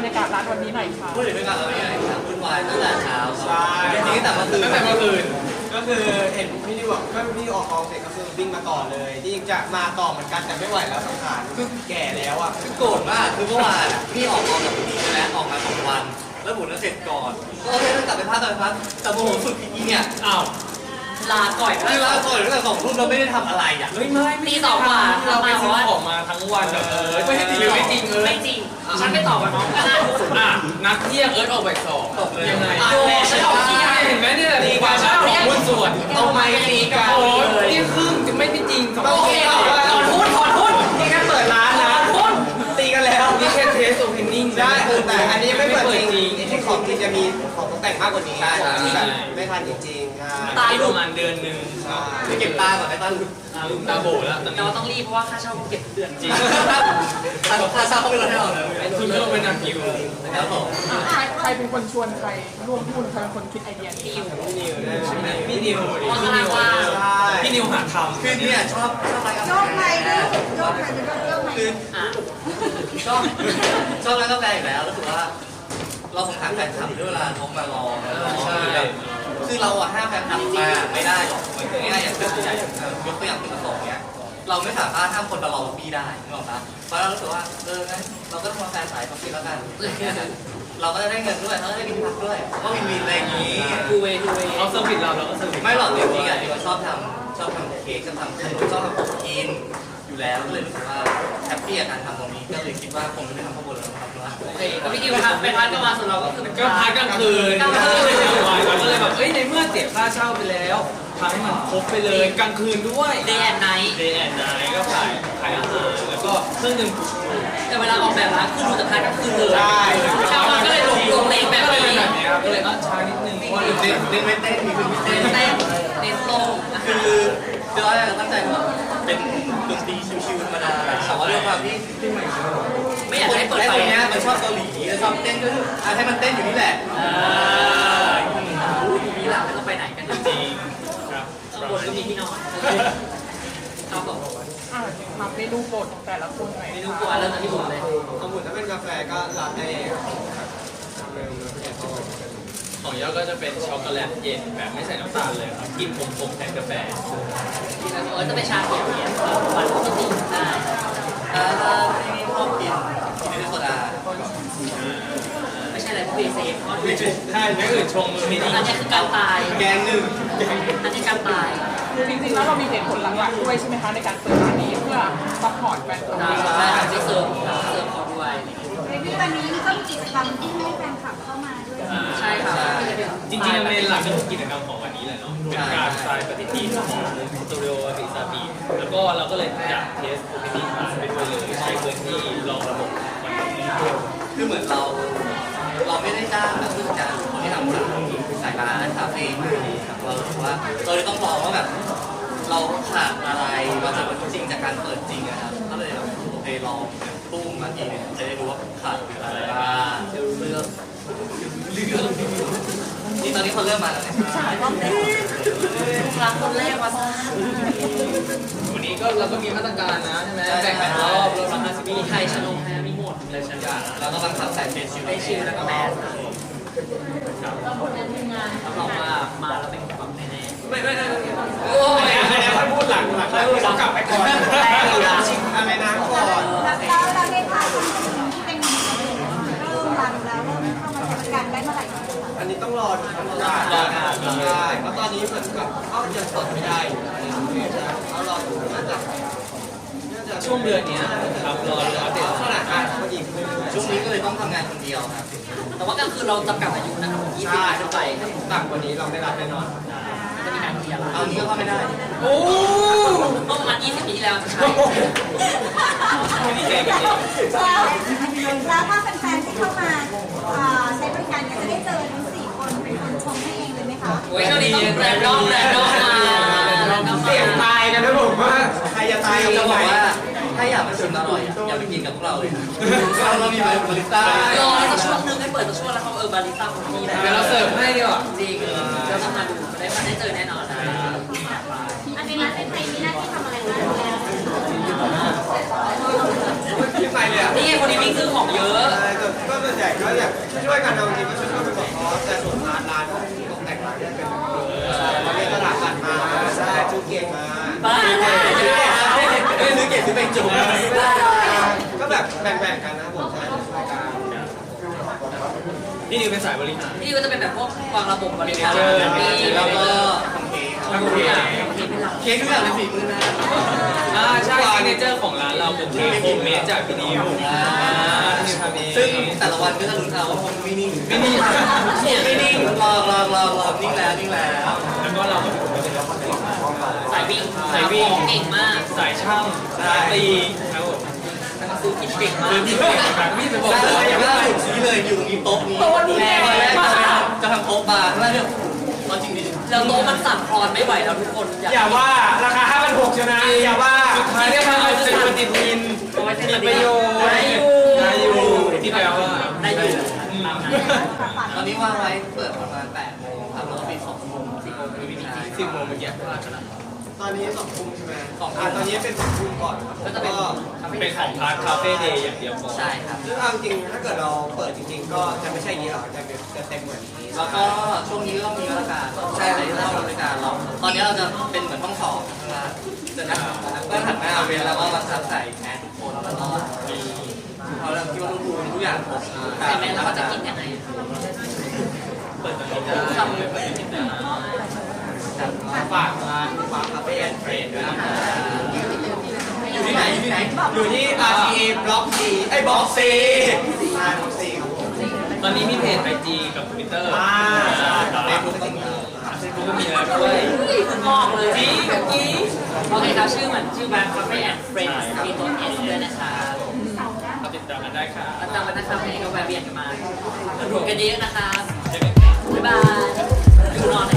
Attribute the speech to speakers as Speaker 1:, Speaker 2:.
Speaker 1: รยากาศร้านวันนี้หน่อยค่ะ
Speaker 2: พูดถึงบรรยากาศเราเนี่ยครับวุ่นวายตั้งแต่เช้า
Speaker 3: ใช่
Speaker 2: จริงๆตั้งแต่เมื่อคืน
Speaker 3: ก็คือเห็นพี่นิวบอกก็พี่นิวออกกองเสร็จก็คือวิ่งมาก่อนเลยที่จริงจะมาต่อเหมือนกันแต่ไม่ไหวแล้วสังขารคือแก่แล้วอ่ะ
Speaker 2: คือโกรธมากคือเมื่อวานพี่ออกกองกับพี่ใช่ไหมออกมา2 วัน แล้วหมุนเสร็จก่อนก็โอเคต้องกลับไปพักแต่โมโหสุดอีเนี่ยอ้าว
Speaker 4: ลาก่อย
Speaker 2: คือลาก่อนตั้งแต่2 ทุ่มเราไม่ได้ทำอะไรอ่ะ
Speaker 4: ตีสองกว่า
Speaker 5: เราไป
Speaker 4: มา
Speaker 5: ซื้อ
Speaker 4: ว่า
Speaker 5: ของมาทั้งวันแบบไม่ให้จริงไม่จริง
Speaker 4: ไม่จริง ฉันไปต่อกับน้องก็ได้
Speaker 5: นัดเที่ยงออกไปสอง
Speaker 2: ตกเลย
Speaker 5: ยังไง
Speaker 4: โอ้ฉันออกเที่ยง
Speaker 5: เห็นไหมเนี่ยตีกันชอบของหุ้นส่วน
Speaker 3: เอาไม้ตีกัน
Speaker 5: โอ้ยที่ครึ่งจะไม่จริงสอง
Speaker 3: โอเค
Speaker 4: ถอนหุ้นถอนหุ้น
Speaker 3: นี่แค่เปิดร้านนะตีกันแล้ว
Speaker 5: นี่แค่เทสโอเพนนิ่ง
Speaker 3: ได้แต่อันนี้ไม่เปิดจริง
Speaker 5: จริง
Speaker 3: ที่ของจริงจะมีของตกแต่งมากกว่านี้ที่แบบไม่ทันจริงๆใช่
Speaker 5: ตายประมาณเดือนหนึ่ง
Speaker 2: ไปเก็บตาก่อนไอ้ตาหลุด
Speaker 5: ลืมตาโบแล้วตอน
Speaker 4: แต่
Speaker 5: นี้
Speaker 4: ว่าต้องรีบเพราะว่าค่าเช่าเก็บเดือนจริง
Speaker 2: ค่าเช่าเขาไม่ลดให้เราเลย
Speaker 5: คุณก็เป็นนักคิว
Speaker 2: ครับผม
Speaker 1: ใครเป็นคนชวนใครร่วมหุ้นใครเป็นคนคิดไอเดียนี้
Speaker 5: พี่นิวพี่นิวหาทำ
Speaker 2: คือเนี่ยชอบร้านกาแฟ
Speaker 6: โยกไปด้วยโยกไปเป็นโยกไป
Speaker 2: คือชอบร้านกาแฟอยู่แล้วรู้สึกว่าเราสงสารแฟนคลับด้วยเวลาน้องมารอคือเราอะห้ามแฟนคลับมาไม่ได้หรอกเหมือนง่ายๆอย่างตัวใหญ่ยกตัวอย่างตัว2เนี้ยเราไม่สามารถห้ามคนมารอล็อบบี้ได้นึกออกปะเพราะเรารู้สึกว่างั้นเราก็ทำแฟนสายเขาคิดแล้วกันเราก็จะได้เงินด้วยเขาจะได้กินพักด้วยก็วินๆอะไรอย่างนี้
Speaker 4: ดูเวดูเว
Speaker 5: เอาเซอร์วิสเราก็เซอร์วิส
Speaker 2: ไม่หรอกจริงๆอ่ะที่เราชอบทำเค้กชอบทำขนมชอบทำของกินอยู่แล้วก็เลยรู้สึกว่าแฮปปี้กับการทำตรงนี้ก็เลยคิดว่าคงจะไม่ทำข้าวบนแล้วนะครับว่า
Speaker 4: โอเคก็พี่ดิวทำเป็นพันก็มาส่วนเราก็คือเป็น
Speaker 5: ก็พักกลางคืนเราก็เลยแบบในเมื่อเสียค่าเช่าไปแล้วทำให้มันครบไปเลยกลางคืนด้วย
Speaker 4: เดย์แอนไนท์
Speaker 5: เดย์แอนด์ไนท์ก็ขายอาหารแล้วก็เครื่องดื่ม
Speaker 4: แต่เวลาออกแบบร้านคือดูแต่พันก็คือเลย
Speaker 3: ใช่
Speaker 4: ชาวบ้านก็เลยลงเลงแบบ
Speaker 5: ก็เลย
Speaker 4: นี้
Speaker 5: แบบนี้ครับก็เลยช้านิดนึงเพราะว่า
Speaker 2: เน้นไม่เต้นมีคือไม่เต้น
Speaker 4: เต้นเต้นโลงนะ
Speaker 2: คื
Speaker 4: คะ
Speaker 2: อเราตั้งใจว่าเป็นดนตรีชิวๆธรรมดาแต่ว่าด้วยความที่
Speaker 4: ไม่อยากให้เปิด
Speaker 2: ไอ้
Speaker 4: ไฟ
Speaker 2: คนเนี้ยมันชอบเกาหลีชอบเต้นก็ให้มันเต้นอยู่นี่แหละ
Speaker 4: มีหลักไม่ต้องไปไหนกันจริง
Speaker 5: ครับ
Speaker 4: ข้างบนก็มีที่นอนครับผม
Speaker 1: ทำเมนูโปรดของแต่ละคนหน่อย
Speaker 4: เมนูกลัวเริ่มจากที่ผมเลย
Speaker 3: ของบุญถ้าเป็นกาแฟก็รับได้เร็วแล้วก็จะเข้า
Speaker 5: ของยอดก็จะเป็นช็อกโกแลตเย็นแบบไม่ใส่น้ำตาลเลยครับกินขมๆแทนกาแฟ
Speaker 4: จะไปชาเขียวเนี่ยหวานปกติได้
Speaker 2: ที่ชอบกินโซดา
Speaker 4: ไม่ใช่อะไรพวกเบเซ่เพราะดู
Speaker 5: ใช่ไม่อื่นชงมือไม่ดี
Speaker 4: อันนี้คือการตาย
Speaker 2: แกงหนึ่ง
Speaker 4: อันนี้การตาย
Speaker 1: จริงๆแล้วเรามีเหตุผลหลักๆด้วยใช่ไหมคะในการเปิดร้านนี้เพื่อซัพพอร์ตแฟนคลับ
Speaker 4: ได้การเสิร์ฟเขาด้วย
Speaker 6: ในที่วันนี้มีก็มีกิจกรรมที่ให้แฟนคลับเข้ามาด้วย
Speaker 4: ใช่ครับ
Speaker 5: จริงๆเมนหลักก็คือกิจกรรมของวันนี้แหละเนาะเป็นการทรายปฏิทินของสตูดิโอติซาบีแล้วก็เราก็เลยอยากเทสโอเพนนิ่งร้านไปด้วยเลยใช้พื้นที่ลองระบบวันนี้
Speaker 2: คือเหมือนเราไม่ได้จ้างแบบผู้จัดการคนที่ทำสายร้านคาเฟ่มาครับเราถือว่าเราเลยต้องลองว่าแบบเราขาดอะไรเราจะเป็นจริงจากการเปิดจริงนะครับก็เลยแบบโอเคลองตุ้มมาทีนึงจะได้รู้ว่าขาดอะไรบ้างจะรู้เรื่องนี่ตอนนี้คนเริ่มมาแล้วนะครับ
Speaker 4: รักคนแรกมาซ่า
Speaker 5: วันนี้ก็เราก็มีมาตรการนะใช่ไหมแบ่งกันรอบรอบละ50
Speaker 4: มีไทยชโนแพ้มีหมด
Speaker 2: เลยฉันอยากแล้วก็บังคับใส่เฟซชิล
Speaker 4: ได้ชิลแล้วก็แมส
Speaker 5: ครับ
Speaker 4: รับรองว่ามาแล้วเป็นความแน่
Speaker 5: โอ้ยอันนี้ค่อยพูดหลังค่อยพูดกลับไปก่อน
Speaker 3: ชิมอะไรนะก่อน
Speaker 6: แล้วเราได้ทานที่เป็นเริ่มรันแล้วเริ่มเข้ามาใช้บริการได้เมื่อไหร่คะ
Speaker 3: อันนี้ต้องรอดูรอได้เพราะตอนนี้เหมือนกับก็ยังสดไม่ได้เอารอดูน่าจะ
Speaker 5: ช่วงเดือนนี้ครับรออัปเดต
Speaker 3: ขนาดการเขาอีก
Speaker 2: ช่วงนี้ก็เลยต้องทำงานคนเดียวครับ
Speaker 4: แต่ว่ากลางคืนเราจำกัดอายุนะครับผม20
Speaker 3: ใช่
Speaker 4: ปีขึ้นไป
Speaker 3: ต่ำกว่านี้เราไม่รับแน่นอน
Speaker 4: จะมีการเคลียร์
Speaker 2: เอานี้ก็เข้าไม่ได้
Speaker 5: โอ้
Speaker 4: เมื่อประมาณ20 ปีที่แล้วจะใช่
Speaker 5: ดีใจกันเอง
Speaker 6: แล้วถ้าแฟนๆที่เข้ามาใช้บริการเนี่ยจะได้เจอทั้ง4คนเป็นคนชมให้เองเลยไหมคะ
Speaker 4: โอ้ยช่วงนี้ต้องแรนดอมมา
Speaker 3: เสียงตายกันนะผมว่าใครจะตาย
Speaker 2: จะ
Speaker 3: จะ
Speaker 2: บบ อ
Speaker 3: อก ก
Speaker 2: ว่า
Speaker 3: ว่า
Speaker 2: ถ้าอยากมาชิมอร่อยอย่าไปกินกับพวกเราเลยเรามีบาริสต้าร
Speaker 4: อสักช่วงนึงให้เปิดสักช่วงแล้วเขาบาริสต้าคนนี้นะ
Speaker 5: เดี๋ยวเราเสิร์ฟให้ดีกว่า
Speaker 4: จริงเราต้องมาดูได้เจอแน่นอนนะ
Speaker 6: อันนี้ร้านในไทยมีหน้าที่ทำอะไรบ้างแล้ว
Speaker 3: ที่ไปเลยอ่ะ
Speaker 4: นี่ไงคนนี้วิ่งซื้อของเยอะ
Speaker 3: ก็ส่วนใหญ่ก็ก็อยากช่วยๆกันเอาจริงก็ช่วยๆไปก่อนเพราะแต่ส่วนร้านตกแต่งร้านเนี่ยเป็นเราเรียนตลาดตัดมาใช่จูเก่งมา
Speaker 4: บ้า
Speaker 2: ซื้อเก็บซื้อเป็นจุ่ม
Speaker 3: ก็แบบแบ่งๆกันนะผมใช่ช่วยกัน
Speaker 5: นี่นิวเป็นสายบริหาร
Speaker 4: นี่ก็จะเป็นแบบพวกวางระบบบริการ
Speaker 2: แล้วก็
Speaker 5: ทำเค้ก
Speaker 2: เค้กทุกอย่างเป็นฝีมือนะ
Speaker 5: ใช่ซิกเนเจอร์ของร้านเราเป็นเค้กโฮมเมดจากพี่นิวนิวทำเอง
Speaker 2: ซึ่งแต่ละวันก็จะลุ้นเอาว่าคงไม่นิ่ง
Speaker 5: ไม่นิ่ง
Speaker 2: ไม่นิ่งรอนิ่งแล้วนิ่งแล้ว
Speaker 5: แล้วก็เราก็เป็นคนที่
Speaker 4: สายวิ่ง
Speaker 5: สายวิ่ง
Speaker 4: เก่งมาก
Speaker 5: สายช่างสายตีครับผม
Speaker 4: ซื้อกินเก่งมาก
Speaker 5: คือพี่เก่งแบบพี่จะบอก
Speaker 2: ล่า
Speaker 5: เลย
Speaker 2: สุดล่าสุดชี้เลยอยู่ตรงนี้โต๊ะนี้ตอนแรกจะทำโต๊ะบาร์แล้วเนี่ยเอาจริงดิ
Speaker 4: แล้วโต๊ะมันสั่นคลอนไม่ไหวแล้วทุกคน
Speaker 3: อย่าว่าราคา 5,600ใช่ไหมอย่าว่า
Speaker 5: สุดท้ายเนี่ยทำเอาเป็นปฏิทินมีประโยชน์ได้อยู่ที่แปลว่า
Speaker 4: ได้อยู่
Speaker 2: ตอนนี้วางไว้เปิดประมาณ8 โมงครับแล้วก็ปิด2 โมง10 โมงไม่มีใคร
Speaker 5: 10 โมงเมื่อกี้พลาดไปแล้ว
Speaker 3: ตอนนี้2 ทุ่มใช่ไหมตอนนี้เป็น2 ทุ่มก่อนครับผม
Speaker 4: ก็จะเป็น
Speaker 5: เป็นของพาร์ทคาเฟ่เดย์อย่างเดียวก่อน
Speaker 2: ใช่ครับ
Speaker 3: ซึ่งเอาจริงถ้าเกิดเราเปิดจริงๆ ก็จะไม่ใช่อย่างนี้หรอกจะเต็มเหมือนนี้
Speaker 2: แล้วก็ช่วงนี้ก็มีมาตรการใช่เลยที่เราบริการเราตอนนี้เราจะเป็นเหมือนห้องสอบข้างล่างจะนั่งก็หันหน้าเวลาแล้วก็มาทักใส่แมสทุกคนแล้วก็มีเขาเรื่องที่ว่าทุกคนทุกอย่างผม
Speaker 4: ใช่ไหมแล้วก็จะกินยังไง
Speaker 5: เปิดตอนนี้ได้เปิดตอนนี้ได้
Speaker 3: ฝากร้านฝากคาเฟ่แอนด์เฟรนด้วยนะครับ
Speaker 2: อยู่ที่ไหนอยู่ที่ไหน
Speaker 3: อยู่ที่ RTA บล็อก C ไอ้บล็อก C บล็อก C ครับผม
Speaker 5: ตอนนี้มีเพจ IG กับ Twitter
Speaker 2: เฟซบุ๊กก็มี
Speaker 5: เฟซบุ๊กก็มีแล้วด้วย
Speaker 4: งอกเลย
Speaker 5: จีกับกี้
Speaker 4: โอเคครับชื่อเหมือนชื่อแบรนด์ Cafe and Friends มีตัว S ด้วยนะครับ
Speaker 5: มาติดตามกันได้ค่ะ
Speaker 4: แล้วตามมานะครับวันนี้ก็แวะเวียนกันมาดูกันเยอะนะครับ
Speaker 5: เจอกันครับ
Speaker 4: บ๊ายบายดูนอนนะ